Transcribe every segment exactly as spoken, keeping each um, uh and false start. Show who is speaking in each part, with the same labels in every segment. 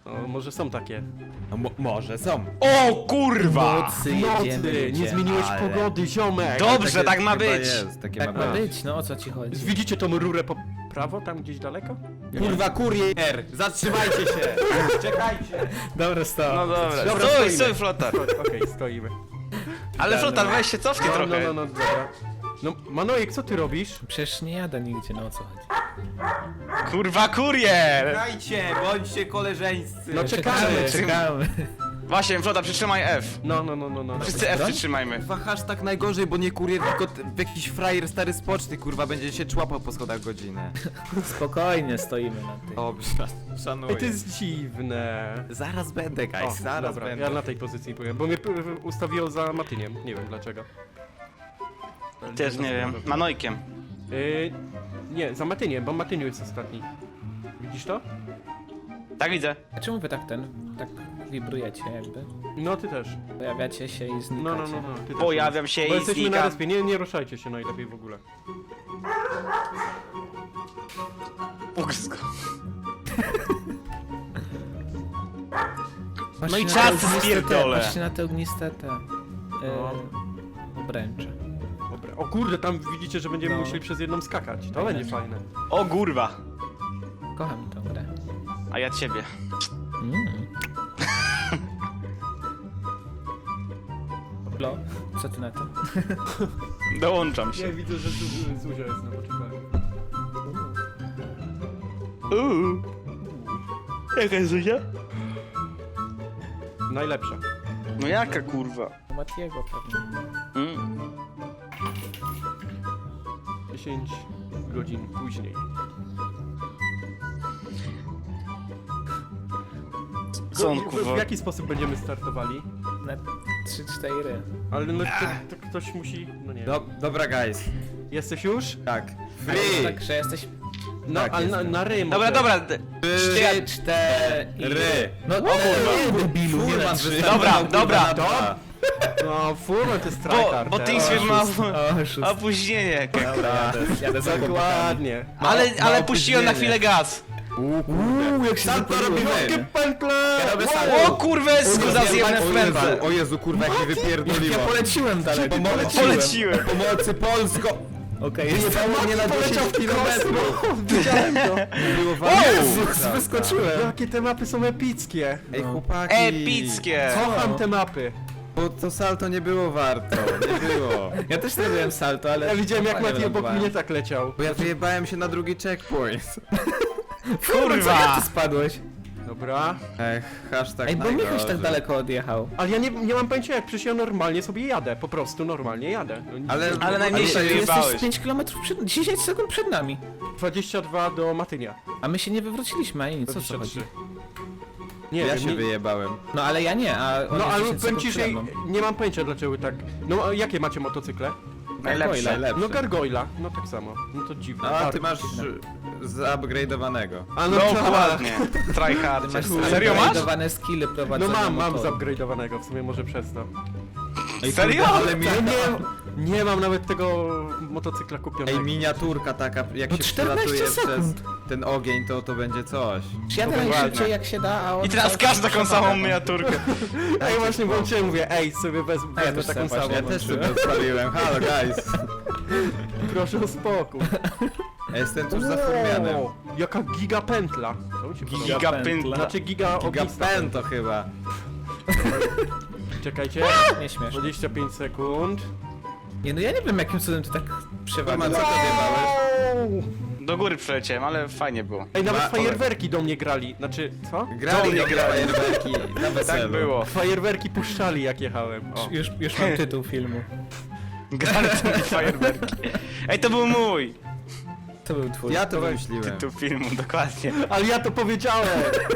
Speaker 1: No, może są takie.
Speaker 2: No, mo może są.
Speaker 3: O kurwa!
Speaker 4: Nocy
Speaker 1: Nocy,
Speaker 4: jedziemy,
Speaker 1: nie
Speaker 4: jedziemy.
Speaker 1: zmieniłeś
Speaker 2: ale-
Speaker 1: pogody, ziomek!
Speaker 3: Dobrze,
Speaker 2: Takie
Speaker 3: tak ma
Speaker 2: chyba
Speaker 3: być.
Speaker 2: Jest, takie
Speaker 4: Tak
Speaker 2: ma
Speaker 4: ma
Speaker 2: być.
Speaker 4: być, no o co ci chodzi?
Speaker 1: Widzicie tą rurę po prawo, tam gdzieś daleko?
Speaker 2: Kurwa, kurier! Zatrzymajcie się! Czekajcie!
Speaker 4: Dobra, stop.
Speaker 3: No dobra,
Speaker 1: Dobra,
Speaker 3: stój,
Speaker 1: stoimy.
Speaker 3: stój flotar.
Speaker 1: Okej, stoimy.
Speaker 3: Ale flotar, weź się cofnij
Speaker 1: No, no,
Speaker 3: trochę.
Speaker 1: no, no, dobra. No, Manojek, co ty robisz?
Speaker 4: Przecież nie jadę nigdzie, no o co chodzi?
Speaker 3: Kurwa kurier!
Speaker 2: Czekajcie, bądźcie koleżeńscy!
Speaker 1: No czekamy.
Speaker 4: czekamy.
Speaker 3: Właśnie, flotar, przytrzymaj F.
Speaker 1: No, no, no, no, no.
Speaker 3: Wszyscy F przytrzymajmy.
Speaker 2: Kurwa, hashtag najgorzej, bo nie kurier, tylko t- jakiś frajer stary z poczty, kurwa, będzie się człapał po schodach godzinę.
Speaker 4: Spokojnie stoimy na tym.
Speaker 2: Dobrze, szanuję.
Speaker 1: Ej, to jest dziwne.
Speaker 2: Zaraz będę,
Speaker 1: O,
Speaker 2: guys, zaraz
Speaker 1: dobra,
Speaker 2: będę.
Speaker 1: ja na tej pozycji byłem, bo mnie p- ustawiło za Matyniem, nie wiem dlaczego.
Speaker 3: Też nie wiem. Manojkiem.
Speaker 1: Yy, nie, za Matyniem, bo Matyniu jest ostatni. Widzisz to?
Speaker 3: Tak widzę.
Speaker 4: A czemu wy tak ten, tak wibrujecie jakby?
Speaker 1: No, ty też.
Speaker 4: Pojawiacie się i znikacie.
Speaker 1: No, no, no, no. Ty też.
Speaker 3: Pojawiam się
Speaker 1: Bo
Speaker 3: i
Speaker 1: jesteśmy na
Speaker 3: znikam.
Speaker 1: respie, nie, nie ruszajcie się najlepiej w ogóle.
Speaker 3: Ugryzł go.
Speaker 4: Patrzcie
Speaker 3: No i
Speaker 4: na
Speaker 3: czas
Speaker 4: te ogniste
Speaker 3: spierdolę.
Speaker 4: te, Patrzcie na te ogniste te...
Speaker 1: No.
Speaker 4: Yy, obręcze.
Speaker 1: Dobra. O kurde, tam widzicie, że będziemy
Speaker 4: No.
Speaker 1: musieli przez jedną skakać. To będzie fajne.
Speaker 3: O kurwa.
Speaker 4: Kocham tę grę.
Speaker 3: A ja ciebie.
Speaker 4: Mm. Lo, co ty na to?
Speaker 3: Dołączam się.
Speaker 1: Ja widzę, że tu Zuzia jest na poczekaniu.
Speaker 3: Uuu. Jaka jest Zuzia?
Speaker 1: Najlepsza.
Speaker 3: No jaka kurwa?
Speaker 4: U Matiego pewnie.
Speaker 3: Mm.
Speaker 1: dziesięć godzin później.
Speaker 3: Co on
Speaker 1: W- w,
Speaker 3: kurwa?
Speaker 1: w jaki sposób będziemy startowali?
Speaker 4: Na trzy cztery.
Speaker 1: Ale no to, to ktoś musi... No nie.
Speaker 2: Do, dobra, guys.
Speaker 1: Jesteś już?
Speaker 2: Tak.
Speaker 4: Ale
Speaker 2: Free!
Speaker 4: tak, że jesteś...
Speaker 1: No,
Speaker 2: Tak,
Speaker 1: ale na,
Speaker 2: jestem.
Speaker 1: na rym.
Speaker 3: Dobra, dobra. d-
Speaker 4: Trzy, cztery...
Speaker 2: Ry.
Speaker 4: No o kurwa! Debilu, nie na
Speaker 2: Furman
Speaker 4: trzy.
Speaker 2: wystartował,
Speaker 3: Dobra,
Speaker 2: kurwa,
Speaker 3: dobra.
Speaker 2: na dwa.
Speaker 1: No, Furman to jest
Speaker 3: Bo,
Speaker 1: tryhard.
Speaker 3: bo
Speaker 1: teraz.
Speaker 3: Teamspeed ma
Speaker 4: O, szósty.
Speaker 3: opóźnienie jakieś.
Speaker 4: Dobra, jadę, jadę za chłopakami.
Speaker 1: Dokładnie.
Speaker 3: Ale,
Speaker 2: ma
Speaker 3: ale puściłem na
Speaker 2: opóźnienie.
Speaker 3: chwilę gaz.
Speaker 4: Uuu, jak się
Speaker 2: Salto
Speaker 4: zapaliłem.
Speaker 2: robimy!
Speaker 1: Pętle!
Speaker 4: Ja robię
Speaker 1: Wow!
Speaker 4: salto.
Speaker 3: O kurwę, skuza zjemne w
Speaker 2: O
Speaker 3: pętlę.
Speaker 2: Jezu, o Jezu, kurwa, jak mnie
Speaker 4: Ja
Speaker 2: wypierdoliło.
Speaker 4: poleciłem dalej.
Speaker 3: Poleciłem.
Speaker 2: Pomocy Polsko!
Speaker 4: Okej,
Speaker 2: Nie
Speaker 4: jest...
Speaker 2: było mnie na dziesięć kilometrów.
Speaker 1: Widziałem to.
Speaker 2: Było
Speaker 3: O
Speaker 2: wam-
Speaker 4: Jezus, wyskoczyłem.
Speaker 1: Jakie te mapy są epickie.
Speaker 2: Ej, chłopaki.
Speaker 3: Epickie.
Speaker 1: Kocham te mapy.
Speaker 2: Bo to salto nie było warto, nie było.
Speaker 4: Ja też zrobiłem salto, ale...
Speaker 1: Ja widziałem jak
Speaker 4: fajnie
Speaker 1: Mati obok
Speaker 4: lądowałem.
Speaker 1: mnie tak leciał.
Speaker 2: Bo ja wyjebałem się na drugi checkpoint.
Speaker 4: Kurwa, jak
Speaker 3: Kurwa.
Speaker 4: ty spadłeś?
Speaker 1: Dobra.
Speaker 2: Ech, hashtag
Speaker 4: Ej, bo Michał
Speaker 2: najgorzej.
Speaker 4: tak daleko odjechał.
Speaker 1: Ale ja nie, nie mam pojęcia jak, przecież ja normalnie sobie jadę. Po prostu normalnie jadę. No, nic-
Speaker 2: Ale,
Speaker 3: Ale najmniejsze
Speaker 2: ale
Speaker 4: Ty
Speaker 3: wyjebałeś.
Speaker 4: jesteś pięć kilometrów przed... dziesięć sekund przed nami.
Speaker 1: dwadzieścia dwa do Matynia.
Speaker 4: A my się nie wywróciliśmy, ani nic, o co
Speaker 1: dwadzieścia
Speaker 4: chodzi?
Speaker 1: trzy. Nie
Speaker 2: ja
Speaker 1: wiem,
Speaker 2: się
Speaker 1: nie,
Speaker 2: wyjebałem.
Speaker 4: No ale ja nie, a on
Speaker 1: No
Speaker 4: jest
Speaker 1: ale
Speaker 4: dziesięć
Speaker 1: powiem
Speaker 4: sekund
Speaker 1: ci, że
Speaker 4: przede mną.
Speaker 1: nie mam pojęcia dlaczego tak. No a jakie macie motocykle?
Speaker 3: Najlepsze.
Speaker 2: Najlepsze.
Speaker 1: No Gargoyla, no tak samo. No to dziwne.
Speaker 2: A
Speaker 1: Tak.
Speaker 2: ty masz zupgrade'owanego.
Speaker 1: A
Speaker 3: No
Speaker 1: tak.
Speaker 3: dokładnie. Tryhard.
Speaker 4: Masz
Speaker 3: Serio masz?
Speaker 4: zupgrade'owane skille
Speaker 1: No
Speaker 4: prowadzenia
Speaker 1: mam, mam
Speaker 4: motoru.
Speaker 1: zupgrade'owanego, w sumie może przez to.
Speaker 3: Serio?
Speaker 2: Ale mi...
Speaker 1: Ale nie, nie mam nawet tego motocykla kupionego.
Speaker 2: Ej, miniaturka taka, jak
Speaker 4: No
Speaker 2: się
Speaker 4: czternaście
Speaker 2: przelatuje przez
Speaker 4: sekund.
Speaker 2: ten ogień, to to będzie coś.
Speaker 4: Czy jadę
Speaker 3: Dokładnie.
Speaker 4: najszybciej jak się da, a on...
Speaker 3: I teraz
Speaker 4: cały
Speaker 3: każdy
Speaker 4: czas
Speaker 3: taką
Speaker 4: przepada.
Speaker 3: samą miniaturkę.
Speaker 1: Ej, właśnie włączyłem, mówię, ej, sobie wez,
Speaker 4: A ja
Speaker 1: wezmę
Speaker 4: też
Speaker 1: taką
Speaker 4: sobie
Speaker 1: samą.
Speaker 2: Ja
Speaker 4: Dobra,
Speaker 2: też
Speaker 4: włączyłem.
Speaker 2: sobie odpaliłem, halo guys.
Speaker 1: Proszę o spokój.
Speaker 2: Ja jestem tuż za furmianem.
Speaker 1: Wow, jaka giga pętla. To mi się podoba.
Speaker 3: Giga
Speaker 4: pętla.
Speaker 3: pętla.
Speaker 1: Znaczy giga ognista.
Speaker 2: Gigapen to chyba.
Speaker 1: Czekajcie.
Speaker 4: Nie śmiesz.
Speaker 1: dwadzieścia pięć sekund.
Speaker 4: Nie, no ja nie wiem jakim cudem ty tak
Speaker 2: Furman,
Speaker 4: przewaliłeś.
Speaker 2: co ty odjebałeś?
Speaker 3: Do góry przeleciałem, ale fajnie było.
Speaker 1: Ej, nawet
Speaker 2: Ma-
Speaker 1: fajerwerki do mnie grali. Znaczy, co?
Speaker 2: Grali
Speaker 3: nie
Speaker 2: nie
Speaker 3: grali.
Speaker 2: fajerwerki na weselu.
Speaker 3: Tak było.
Speaker 1: Fajerwerki puszczali jak jechałem. O.
Speaker 4: Już, już mam tytuł filmu.
Speaker 3: Grali tymi fajerwerki. Ej, to był mój
Speaker 4: To był twój.
Speaker 2: Ja to wymyśliłem.
Speaker 3: tytuł filmu, dokładnie.
Speaker 1: Ale ja to powiedziałem!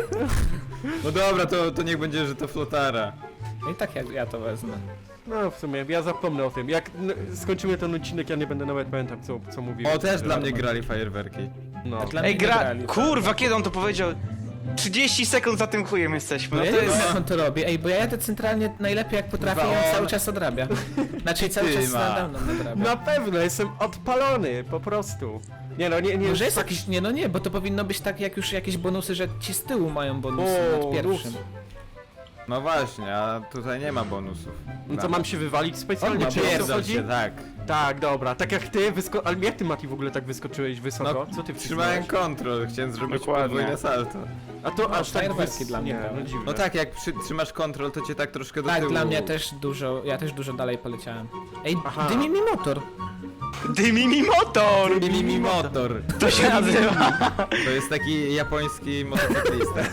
Speaker 2: No dobra, to, to niech będzie, że to flotara.
Speaker 4: I tak ja, ja to wezmę.
Speaker 1: No w sumie, ja zapomnę o tym. Jak n- skończymy ten odcinek, ja nie będę nawet pamiętał co, co mówiłem.
Speaker 2: O, też dla mnie grali fajerwerki.
Speaker 1: No.
Speaker 4: Dla
Speaker 3: Ej,
Speaker 4: mnie
Speaker 3: gra...
Speaker 4: grali.
Speaker 3: Kurwa, kiedy on to powiedział? trzydzieści sekund za tym chujem jesteśmy,
Speaker 4: No
Speaker 3: no
Speaker 4: ja
Speaker 3: to
Speaker 4: nie wiem
Speaker 3: jest...
Speaker 4: jak on to robi. Ej, bo ja jadę centralnie najlepiej jak potrafię i on cały czas odrabia. Znaczy cały
Speaker 2: Ty
Speaker 4: czas
Speaker 2: ma.
Speaker 4: nade mną odrabia.
Speaker 1: Na pewno, jestem odpalony, po prostu. Nie no, nie, nie.
Speaker 4: Może jest
Speaker 1: tak-
Speaker 4: jakiś... Nie no nie, bo to powinno być tak jak już jakieś bonusy, że ci z tyłu mają bonusy
Speaker 1: O,
Speaker 4: nad pierwszym.
Speaker 2: No właśnie, a tutaj nie ma bonusów.
Speaker 1: No co, mam się wywalić specjalnie,
Speaker 4: On ma
Speaker 1: czy o co
Speaker 2: Pierdol
Speaker 1: chodzi?
Speaker 2: się, tak.
Speaker 1: Tak, dobra, tak jak ty, wysko... ale jak ty, Mati, w ogóle tak wyskoczyłeś wysoko?
Speaker 2: No,
Speaker 1: Co ty
Speaker 2: trzymałem
Speaker 1: wcisnąłeś?
Speaker 2: kontrol, chciałem zrobić
Speaker 3: Dokładnie.
Speaker 2: podwójne salto.
Speaker 1: A to
Speaker 4: No,
Speaker 1: aż tak
Speaker 4: fajerwerki
Speaker 1: wys...
Speaker 4: dla mnie
Speaker 1: Nie,
Speaker 4: były.
Speaker 1: no dziwne.
Speaker 2: No tak, jak przy, trzymasz kontrol, to cię tak troszkę do
Speaker 4: Tak,
Speaker 2: tyłu.
Speaker 4: dla mnie też dużo, ja też dużo dalej poleciałem. Ej,
Speaker 1: Aha.
Speaker 4: dymi mi motor!
Speaker 3: Dymi mi motor!
Speaker 2: Dymi mi motor.
Speaker 3: To się nazywa.
Speaker 2: To jest taki japoński motocyklista.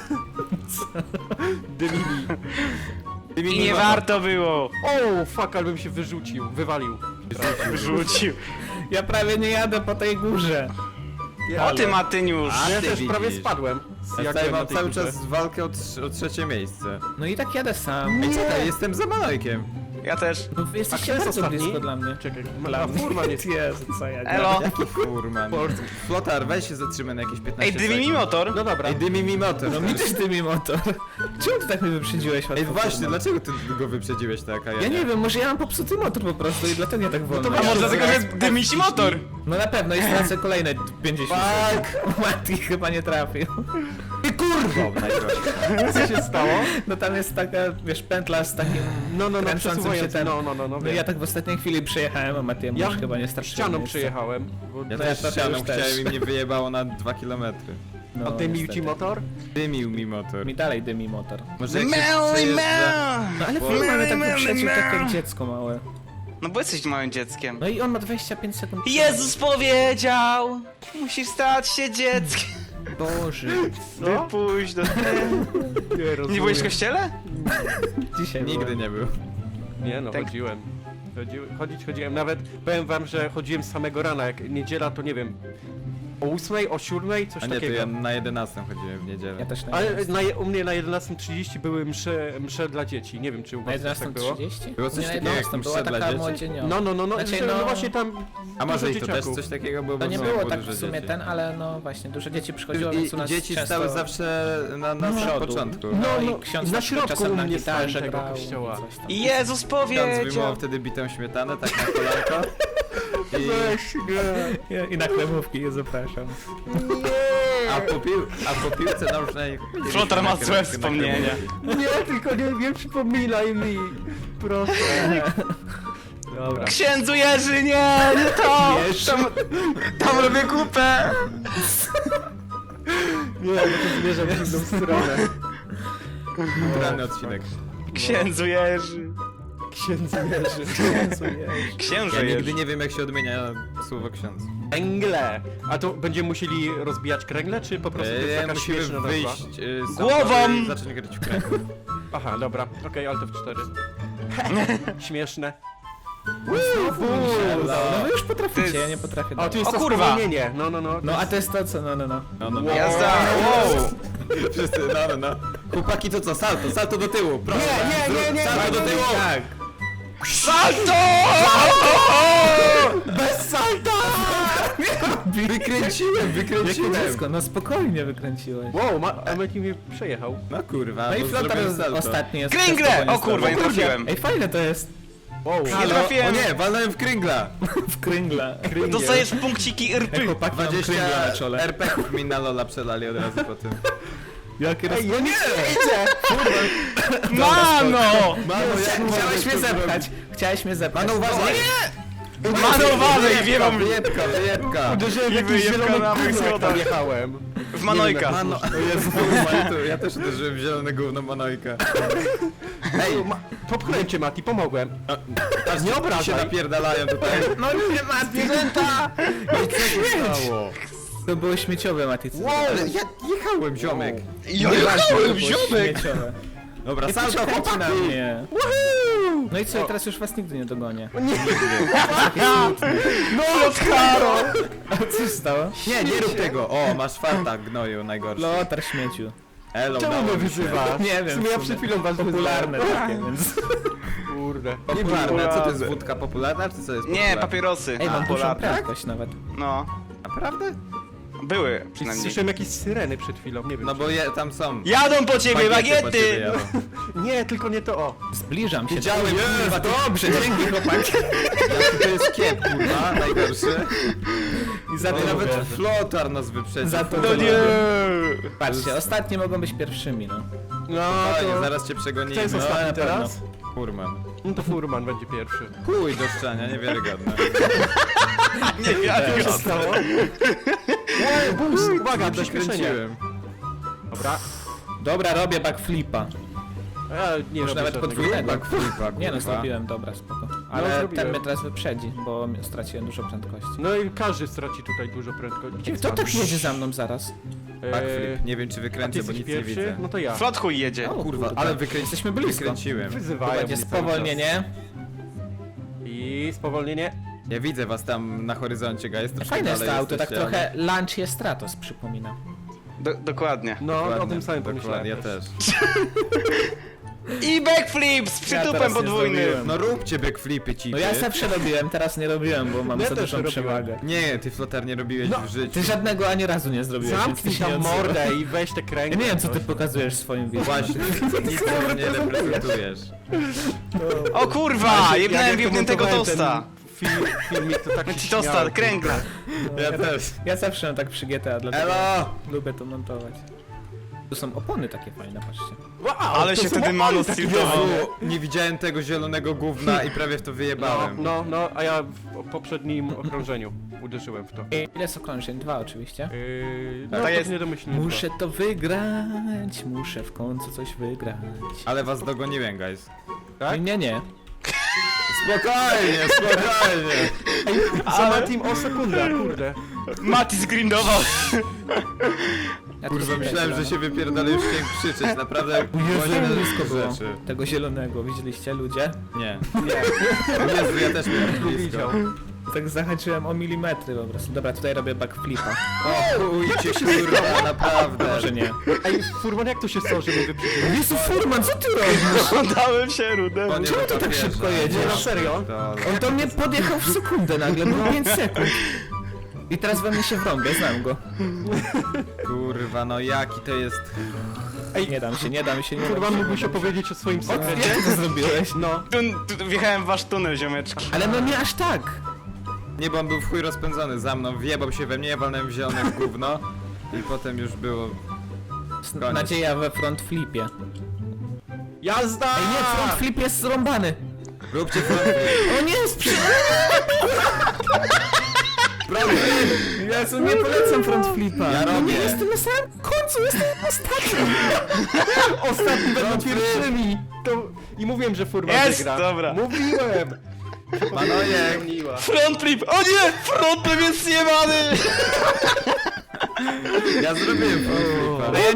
Speaker 1: Dymini.
Speaker 2: Dymi
Speaker 3: I
Speaker 2: mi
Speaker 3: nie
Speaker 2: motor.
Speaker 3: warto było.
Speaker 1: O, fuck, ale bym się wyrzucił, wywalił.
Speaker 3: Wyrzucił.
Speaker 4: Ja prawie nie jadę po tej górze.
Speaker 3: O ty Matyniusz.
Speaker 2: A
Speaker 1: Ja
Speaker 2: ty
Speaker 1: też
Speaker 2: widzisz.
Speaker 1: prawie spadłem.
Speaker 2: Ja
Speaker 1: Jak
Speaker 2: tutaj
Speaker 1: byłem na
Speaker 2: mam
Speaker 1: tej
Speaker 2: cały
Speaker 1: górze.
Speaker 2: czas walkę o, trz- o trzecie miejsce.
Speaker 4: No i tak jadę sam.
Speaker 2: Ej, czekaj, jestem za Manojkiem.
Speaker 3: Ja też.
Speaker 4: No wy jesteście
Speaker 1: kto jest
Speaker 4: bardzo
Speaker 1: ostatni?
Speaker 4: blisko dla mnie.
Speaker 1: Czekaj,
Speaker 4: Dla
Speaker 1: ma
Speaker 4: mnie.
Speaker 1: furman jest.
Speaker 4: Jezu, co ja
Speaker 3: Elo.
Speaker 2: Jaki furman?
Speaker 1: Polski.
Speaker 2: Flotar, weź się zatrzymaj na jakieś piętnaście
Speaker 3: Ej, dymi mi
Speaker 2: sekund.
Speaker 3: motor.
Speaker 1: No dobra.
Speaker 2: Ej, dymi mi motor.
Speaker 4: No mi też dymi motor. Czemu ty tak mnie wyprzedziłeś łatwo?
Speaker 2: Ej, właśnie,
Speaker 4: kurwa?
Speaker 2: dlaczego ty go wyprzedziłeś tak, a ja,
Speaker 4: Ja nie wiem, może ja mam popsuty motor po prostu i dlatego ja tak wolno.
Speaker 1: to
Speaker 3: A
Speaker 1: weź-
Speaker 3: może dlatego, że dymi ci motor.
Speaker 4: No na pewno i stracę kolejne pięćdziesiąt
Speaker 2: Tak.
Speaker 4: sekund. Mati chyba nie trafił.
Speaker 2: I kurwa! Najgorzej.
Speaker 1: Co się stało?
Speaker 4: No tam jest taka, wiesz, pętla z takim
Speaker 1: No, no, no,
Speaker 4: kręcącym się
Speaker 1: przesuwając.
Speaker 4: ten...
Speaker 1: No, no, no, no,
Speaker 4: No ja tak w ostatniej chwili przejechałem, a Matiemu
Speaker 1: Ja
Speaker 4: już chyba nie starczyło
Speaker 1: ścianą
Speaker 4: miejsca.
Speaker 1: przejechałem. Bo...
Speaker 2: Ja
Speaker 4: No ja
Speaker 2: też
Speaker 4: trochę
Speaker 2: ścianą
Speaker 4: już też.
Speaker 2: chciałem i mnie wyjebało na dwa kilometry.
Speaker 4: No,
Speaker 1: A dymił ci
Speaker 4: niestety.
Speaker 1: motor?
Speaker 2: Dymił mi motor.
Speaker 4: Mi dalej dymi motor.
Speaker 2: Może jak się
Speaker 3: Meli,
Speaker 2: przejeżdża...
Speaker 3: mel.
Speaker 4: No ale
Speaker 2: Bo-
Speaker 4: film mnie tak
Speaker 3: Mel,
Speaker 4: wyprzedził
Speaker 3: mel,
Speaker 4: tak jak
Speaker 3: mel.
Speaker 4: dziecko małe.
Speaker 3: No bo jesteś małym dzieckiem.
Speaker 4: No i on ma dwadzieścia pięć sekund.
Speaker 3: Jezus powiedział, musisz stać się dzieckiem.
Speaker 4: Boże.
Speaker 1: Co?
Speaker 3: Wypuść do...
Speaker 1: Nie, rozumiem.
Speaker 3: Nie byłeś w kościele?
Speaker 4: Dzisiaj
Speaker 2: Nigdy
Speaker 4: byłem.
Speaker 2: nie był.
Speaker 1: Nie no,
Speaker 3: Tak.
Speaker 1: chodziłem. Chodzi, chodzić chodziłem, nawet powiem wam, że chodziłem z samego rana, jak niedziela to nie wiem, o ósmej, o siódmej, coś
Speaker 2: A nie, to
Speaker 1: takiego.
Speaker 2: ja na jedenastą chodziłem w niedzielę.
Speaker 4: Ja też na
Speaker 1: Ale
Speaker 4: jedenastą.
Speaker 1: na, je- u mnie na jedenastej trzydzieści były msze, msze dla dzieci, nie wiem czy u
Speaker 4: Na
Speaker 1: was też tak
Speaker 4: jedenastą
Speaker 1: było.
Speaker 4: trzydzieści?
Speaker 2: Było coś
Speaker 4: Nie, na
Speaker 2: takiego jak
Speaker 4: jedenastą
Speaker 2: msze
Speaker 4: była
Speaker 2: dla
Speaker 4: taka
Speaker 2: dzieci?
Speaker 4: młodzieniowa.
Speaker 1: No, no, no, no,
Speaker 4: Znaczy,
Speaker 1: że, no,
Speaker 4: no-
Speaker 1: właśnie tam
Speaker 2: A może
Speaker 1: dużo
Speaker 2: i to też
Speaker 1: dzieciaków.
Speaker 2: coś takiego było?
Speaker 4: To
Speaker 2: bo
Speaker 4: nie
Speaker 2: w
Speaker 4: było
Speaker 2: było
Speaker 4: tak
Speaker 2: dużo
Speaker 4: w sumie
Speaker 2: dzieci.
Speaker 4: ten, ale no właśnie, dużo dzieci przychodziło,
Speaker 2: I,
Speaker 4: więc u nas
Speaker 2: dzieci
Speaker 4: często...
Speaker 2: stały zawsze na, na samym
Speaker 4: przodu.
Speaker 2: początku.
Speaker 1: No,
Speaker 4: No,
Speaker 1: no,
Speaker 4: i ksiądz
Speaker 1: na
Speaker 4: na przykład
Speaker 1: środku
Speaker 4: czasem
Speaker 1: u
Speaker 4: na
Speaker 1: mnie
Speaker 4: gitarze
Speaker 1: stałem tego
Speaker 4: grał i
Speaker 1: kościoła.
Speaker 4: coś tam.
Speaker 3: Jezus
Speaker 2: Ksiądz wyjmował
Speaker 3: powiedział.
Speaker 2: wtedy bitą śmietanę, tak na kolanko. I,
Speaker 1: Weź, nie.
Speaker 4: I na chlebówki je zapraszam.
Speaker 2: a, po pił, a po piłce nożnej...
Speaker 3: Flotar ma
Speaker 2: na
Speaker 3: złe
Speaker 2: krę- na
Speaker 3: wspomnienia.
Speaker 1: Nie, tylko nie, nie przypominaj mi. Proszę. Dobra.
Speaker 3: Księdzu Jerzy, nie, nie to!
Speaker 4: Jerzy.
Speaker 3: Tam, tam robię kupę!
Speaker 1: Nie, bo to zmierza w inną stronę.
Speaker 2: Rany odcinek.
Speaker 3: Księdzu Jerzy.
Speaker 1: Księdzu Jerzy.
Speaker 4: Jezu, Jezu.
Speaker 3: Księże
Speaker 2: Ja
Speaker 3: Jerzy.
Speaker 2: nigdy nie wiem jak się odmienia słowo ksiądz.
Speaker 1: Kręgle. A to będziemy musieli rozbijać kręgle, czy po prostu to jest
Speaker 2: Eee,
Speaker 1: taka
Speaker 2: musimy
Speaker 1: śmieszna nazwa?
Speaker 2: wyjść y, z
Speaker 3: Głową!
Speaker 2: samochodu i zacząć grać w kręg.
Speaker 1: Aha, dobra. Okej, ale to w cztery. Śmieszne.
Speaker 4: No wy już
Speaker 3: To
Speaker 4: potraficie,
Speaker 3: jest-
Speaker 4: ja nie potrafię.
Speaker 1: A
Speaker 4: dalej.
Speaker 1: tu jest
Speaker 3: O
Speaker 1: to
Speaker 3: kurwa!
Speaker 1: spowolnienie. No, no, no.
Speaker 4: No a to jest to co, no no no.
Speaker 2: No, no, no.
Speaker 3: Jazda, wow!
Speaker 2: Wszyscy, no, no, no. Chłopaki to co? Salto, salto do tyłu, proszę.
Speaker 1: Nie, nie, nie, nie,
Speaker 2: Salto do
Speaker 1: nie,
Speaker 2: tyłu!
Speaker 4: Tak.
Speaker 3: Salto!
Speaker 1: Bez salta!
Speaker 2: Wykręciłem,
Speaker 4: Jakie
Speaker 2: wykręciłem.
Speaker 4: dziecko, no spokojnie wykręciłeś.
Speaker 1: Wow, ma, a Meki mnie przejechał.
Speaker 2: No kurwa,
Speaker 4: No i
Speaker 2: bo
Speaker 4: flotar
Speaker 2: zrobiłem salto.
Speaker 4: ostatni jest.
Speaker 3: Kręgle!
Speaker 4: przez to, bo
Speaker 3: O kurwa, nie
Speaker 4: stało.
Speaker 3: trafiłem.
Speaker 4: Ej, fajne to jest.
Speaker 1: Wow.
Speaker 3: Nie
Speaker 2: Halo?
Speaker 3: trafiłem.
Speaker 2: O nie, walnąłem w kręgla.
Speaker 4: W kręgla.
Speaker 3: Dostajesz punkciki
Speaker 4: Jak
Speaker 3: rpy.
Speaker 4: chłopaki mam kręgla na
Speaker 2: dwadzieścia
Speaker 4: czole.
Speaker 2: er pe ków mi na lola przelali od razu po tym.
Speaker 4: Jakie roz...
Speaker 1: Ej, ja nie idzie!
Speaker 3: Mano!
Speaker 2: Mano,
Speaker 4: Chcia- Chciałeś mnie zepchać. Chciałeś mnie zepchać.
Speaker 2: Mano, uważaj!
Speaker 3: Mano, uważaj, wielą...
Speaker 2: Wyjebka, wyjebka.
Speaker 1: Uderzyłem w
Speaker 3: I
Speaker 1: jakiś
Speaker 3: wyjebka
Speaker 1: zielony
Speaker 3: na mych
Speaker 1: gówno, jak
Speaker 3: schodach.
Speaker 1: tam jechałem.
Speaker 3: W Manojka.
Speaker 2: Mano, o Jezu, ja, tu, ja też uderzyłem w zielone gówno Manojka.
Speaker 1: Ej, ma, popchnąłem cię, Mati, pomogłem.
Speaker 2: Aż nie obrażaj. się napierdalają tutaj.
Speaker 4: No nie ma zwierzęta!
Speaker 2: No i co się stało?
Speaker 4: To było śmieciowe, Mati. co
Speaker 2: Wow, ale ja jechałem, ziomek.
Speaker 3: Ja
Speaker 4: to
Speaker 3: jechałem,
Speaker 4: było
Speaker 3: ziomek!
Speaker 4: Śmieciowe.
Speaker 2: Dobra,
Speaker 4: Nie
Speaker 2: salto,
Speaker 4: poczekajcie na
Speaker 2: chłopaki!
Speaker 4: mnie. No i co, teraz już was nigdy nie dogonię.
Speaker 3: No, Lotkaro!
Speaker 4: A co się stało?
Speaker 2: Nie, nie rób tego. O, masz farta, gnoju, najgorszy.
Speaker 4: Lotar śmieciu.
Speaker 2: Elo,
Speaker 1: Czemu
Speaker 2: udało
Speaker 1: mnie
Speaker 2: mi się.
Speaker 1: wyzywasz?
Speaker 4: Nie wiem,
Speaker 1: W sumie
Speaker 4: w
Speaker 1: ja
Speaker 4: sumie.
Speaker 1: przed chwilą was
Speaker 4: Popularne
Speaker 1: wyzywałem.
Speaker 4: takie, więc...
Speaker 1: Kurde.
Speaker 2: Popularne, co to jest wódka popularna, czy co jest
Speaker 3: Nie,
Speaker 2: popularna?
Speaker 3: papierosy.
Speaker 4: Ej, mam dużą
Speaker 3: Popularne.
Speaker 4: prędkość nawet.
Speaker 3: No.
Speaker 2: Naprawdę?
Speaker 3: Były przynajmniej.
Speaker 1: Słyszałem jakieś syreny przed chwilą, nie wiem.
Speaker 2: No
Speaker 1: czy-
Speaker 2: bo je, tam są.
Speaker 3: Jadą po ciebie,
Speaker 2: po
Speaker 3: bagiety!
Speaker 2: ciebie jadą.
Speaker 1: Nie, tylko nie to, o.
Speaker 4: Zbliżam się.
Speaker 2: Wiedziałem, kurwa, to
Speaker 4: Dobrze, dzięki chłopaki.
Speaker 2: jaki to jest kiep, kurwa, najgorszy.
Speaker 4: I za
Speaker 2: No,
Speaker 4: to
Speaker 2: nawet
Speaker 4: lubię.
Speaker 2: flotar nas wyprzedził.
Speaker 4: Za to
Speaker 3: No
Speaker 4: lubię.
Speaker 3: nie!
Speaker 4: Patrzcie, ostatnie mogą być pierwszymi, no.
Speaker 1: No
Speaker 2: Fajnie,
Speaker 1: to...
Speaker 2: zaraz cię przegonimy.
Speaker 1: Kto jest
Speaker 2: No,
Speaker 1: ostatni
Speaker 4: na pewno.
Speaker 1: teraz?
Speaker 2: Furman.
Speaker 1: No to Furman będzie pierwszy.
Speaker 2: Chuj do szczania, niewiarygodne.
Speaker 3: Nie wiem,
Speaker 1: Co się stało? Ej, boost! Uwaga, przyspieszenie.
Speaker 2: Dokręciłem.
Speaker 1: Dobra.
Speaker 4: Dobra, robię backflipa.
Speaker 1: Ja nie
Speaker 4: Już
Speaker 1: robię
Speaker 4: nawet
Speaker 1: żadnego.
Speaker 4: podwójnego.
Speaker 2: Backflipa,
Speaker 4: Nie no,
Speaker 2: kurwa.
Speaker 4: zrobiłem, dobra, spoko. Ale
Speaker 1: zrobiłem.
Speaker 4: ten mnie teraz wyprzedzi, bo straciłem dużo prędkości.
Speaker 1: No i każdy straci tutaj dużo prędkości. Gdzie
Speaker 4: Kto tak jedzie za mną zaraz?
Speaker 2: Backflip. Nie wiem czy
Speaker 1: A ty
Speaker 2: wykręcę, bo
Speaker 1: jesteś
Speaker 2: nic nie
Speaker 1: pierwszy?
Speaker 2: widzę.
Speaker 1: No to ja.
Speaker 3: Flot chuj jedzie.
Speaker 4: O,
Speaker 2: Kurwa,
Speaker 4: kurde.
Speaker 2: ale wykręci...
Speaker 4: Jesteśmy blisko.
Speaker 2: wykręciłem.
Speaker 4: To
Speaker 1: Wyzywają
Speaker 4: będzie
Speaker 1: mnie cały
Speaker 4: spowolnienie.
Speaker 1: czas. I spowolnienie.
Speaker 2: Ja widzę was tam na horyzoncie, guys. troszkę
Speaker 4: Fajne jest
Speaker 2: dalej
Speaker 4: to auto, tak
Speaker 2: jesteście,
Speaker 4: trochę Lancia Stratos przypomina.
Speaker 3: Do, dokładnie.
Speaker 1: No,
Speaker 2: Dokładnie,
Speaker 1: o tym samym
Speaker 2: dokładnie,
Speaker 1: pomyślałem.
Speaker 2: ja też.
Speaker 3: I backflip z
Speaker 4: Ja teraz
Speaker 3: przytupem
Speaker 4: nie
Speaker 3: podwójnym.
Speaker 4: zrobiłem.
Speaker 2: No róbcie backflipy, cipy.
Speaker 4: No ja zawsze robiłem, teraz nie robiłem, bo mam
Speaker 1: Ja
Speaker 4: za
Speaker 1: też
Speaker 4: dużą
Speaker 1: robiłem.
Speaker 4: przewagę.
Speaker 2: Nie, ty flotar nie robiłeś
Speaker 1: No,
Speaker 2: w życiu.
Speaker 4: Ty żadnego ani razu nie zrobiłeś, więc
Speaker 1: Zamknij
Speaker 4: ty się nie
Speaker 1: tam
Speaker 4: odzywaj.
Speaker 1: mordę i weź te kręgi.
Speaker 4: Ja nie wiem, co ty pokazujesz w swoim wideo.
Speaker 2: Właśnie, nic tego nie reprezentujesz.
Speaker 3: O kurwa,
Speaker 1: Jak
Speaker 3: jebnąłem
Speaker 1: ja
Speaker 3: wiepniętego
Speaker 1: komentowałem
Speaker 3: tosta.
Speaker 1: ten Film, filmik to tak się
Speaker 3: Ci tosta,
Speaker 1: śmiałem.
Speaker 3: kręgla.
Speaker 2: Ja też.
Speaker 4: Ja zawsze mam tak przy G T A, dlatego
Speaker 2: Elo!
Speaker 4: lubię to montować. Tu są opony takie fajne, patrzcie.
Speaker 1: Wow,
Speaker 3: Ale
Speaker 1: to
Speaker 3: się
Speaker 1: są
Speaker 3: wtedy
Speaker 1: opony
Speaker 3: Manu
Speaker 1: takie
Speaker 3: stiltował.
Speaker 1: wielkie.
Speaker 2: Jezu, nie widziałem tego zielonego gówna i prawie w to
Speaker 1: No,
Speaker 2: wyjebałem.
Speaker 1: no, no, a ja w poprzednim okrążeniu uderzyłem w to.
Speaker 4: Ile jest okrążeń? Dwa oczywiście.
Speaker 1: Yy, no
Speaker 3: To
Speaker 1: to
Speaker 3: jest-
Speaker 1: jest niedomyślnie.
Speaker 4: Muszę to wygrać, muszę w końcu coś wygrać.
Speaker 2: Ale was dogoniłem, guys.
Speaker 1: Tak?
Speaker 4: Nie, nie.
Speaker 2: Spokojnie, spokojnie.
Speaker 1: Za Matim o sekundę, kurde.
Speaker 3: Mati zgrindował.
Speaker 4: Ja tu
Speaker 2: Kurwa,
Speaker 4: sobie
Speaker 2: myślałem,
Speaker 4: gram.
Speaker 2: że się wypierdolę już chciałem krzyczeć, naprawdę
Speaker 4: Jezu,
Speaker 2: głośne
Speaker 4: blisko było.
Speaker 2: rzeczy.
Speaker 4: Tego zielonego, widzieliście ludzie?
Speaker 2: Nie. Jezu, ja też miałem blisko.
Speaker 1: Widział.
Speaker 4: Tak zahaczyłem o milimetry po prostu. Dobra, tutaj robię backflipa.
Speaker 2: O chujcie, kurwa, naprawdę.
Speaker 4: Może nie.
Speaker 1: Ej, Furman, jak to się stało, że mnie wyprzedziłeś?
Speaker 4: Jezu, Furman, co ty robisz?
Speaker 3: Dałem się rudę.
Speaker 2: On nie
Speaker 4: Czemu ty tak
Speaker 2: dopierza.
Speaker 4: szybko jedziesz?
Speaker 1: Nie, na serio?
Speaker 2: To-
Speaker 4: On do mnie podjechał w sekundę nagle, było pięć sekund. I teraz we mnie się wrąbie, znam go.
Speaker 2: Kurwa, no jaki to jest...
Speaker 1: Ej,
Speaker 4: Nie dam się, nie dam się, nie dam
Speaker 1: Furman,
Speaker 4: się.
Speaker 1: mógłbyś opowiedzieć o swoim sekrecie?
Speaker 4: Jak ty to zrobiłeś?
Speaker 1: No.
Speaker 3: Tu, tu, wjechałem w wasz tunel, ziomeczki.
Speaker 4: Ale no nie aż tak.
Speaker 2: Nie, bo on był w chuj rozpędzony za mną, wjebał się we mnie, ja walnąłem w zielone w gówno. I potem już było... Koniec.
Speaker 4: Nadzieja we front flipie.
Speaker 1: Jazda!
Speaker 4: Ej nie, front flip jest zrąbany.
Speaker 2: Róbcie front
Speaker 4: O nie, sprzy... Jezu, nie polecam front flipa.
Speaker 2: Ja
Speaker 4: No
Speaker 2: robię.
Speaker 4: nie, jestem na samym końcu, jestem ostatni.
Speaker 1: Ostatni będą pierwszymi! To... I mówiłem, że Furman
Speaker 3: Jest,
Speaker 1: wygra.
Speaker 3: dobra.
Speaker 1: Mówiłem!
Speaker 2: Manojek!
Speaker 1: Spełniła.
Speaker 3: Front flip! O nie! Front flip jest zjebany!
Speaker 2: Ja zrobiłem front flipa.
Speaker 3: Ja